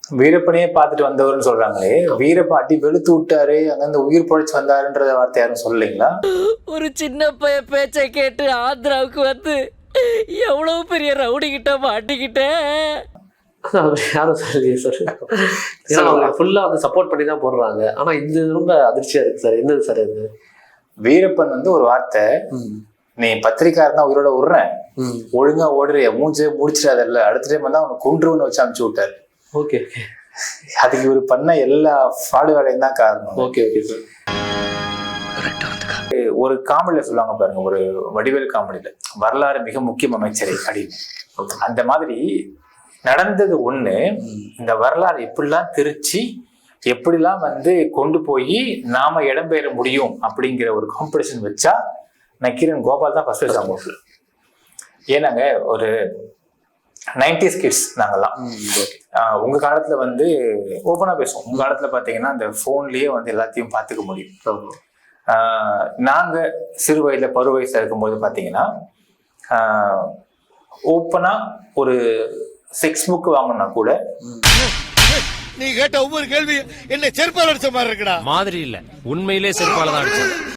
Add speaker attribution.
Speaker 1: வீரப்பனையே பார்த்துட்டு வந்தவர்னு சொல்றாங்களே, வீரப்ப வெளுத்து விட்டாரு, அங்கிருந்து உயிர் பொழைச்சு வந்தாருன்றத வார்த்தை யாரும் சொல்லலைங்களா?
Speaker 2: ஒரு சின்ன பைய பேச்சை கேட்டு ஆந்திராவுக்கு வந்து எவ்வளவு பெரிய ரவுடி கிட்ட மாட்டிக்கிட்டேன்.
Speaker 3: யாரும் சொல்லலையே சார். ஏன்னா அவங்க ஃபுல்லா வந்து சப்போர்ட் பண்ணி தான் போடுறாங்க. ஆனா இது ரொம்ப அதிர்ச்சியா இருக்கு சார். என்னது சார் இது?
Speaker 1: வீரப்பன் வந்து ஒரு வார்த்தை, நீ பத்திரிக்காரன் தான் உயிரோட விடுறேன், ஒழுங்கா ஓடுறிய மூஞ்சே முடிச்சிடாதல்ல, அடுத்த டைம் வந்து அவனை கொன்றுன்னு வச்சு அனுப்பிச்சு விட்டாரு.
Speaker 3: Okay okay.
Speaker 1: அதுக்கு இவர் பண்ண எல்லா ஃப்ராடு வேலையும் தான் காரணம்.
Speaker 3: Okay okay sir.
Speaker 1: ஒரு காமெடியில சொல்லுவாங்க பாருங்க, ஒரு வடிவேல் காமெடியில, வரலாறு மிக முக்கியம் அமைச்சரை அப்படின்னு. அந்த மாதிரி நடந்தது ஒண்ணு, இந்த வரலாறு எப்படிலாம் திருச்சி எப்படிலாம் வந்து கொண்டு போய் நாம இடம்பெற முடியும் அப்படிங்கிற ஒரு காம்படிஷன் வச்சா நக்கீரன் கோபால் தான் ஃபர்ஸ்ட் வச்சாங்க. ஏன்னாங்க ஒரு 90s கிட்ஸ் நாங்கெல்லாம். உங்க காலத்துல வந்து ஓப்பனா பேசுவோம், உங்க காலத்துல பாத்தீங்கன்னா அந்த போன்லயே வந்து எல்லாத்தையும் பார்த்துக்க முடியும். நாங்க சிறு வயதுல பரு வயசுல இருக்கும்போது பாத்தீங்கன்னா ஓப்பனா ஒரு செக்ஸ் புக் வாங்கினா கூட
Speaker 4: நீ கேட்ட ஒவ்வொரு கேள்வி என்ன செருப்பால் அடிச்ச மாதிரி இருக்குடா.
Speaker 5: மாதிரி இல்ல, உண்மையிலே செருப்பால தான் அடிச்சது.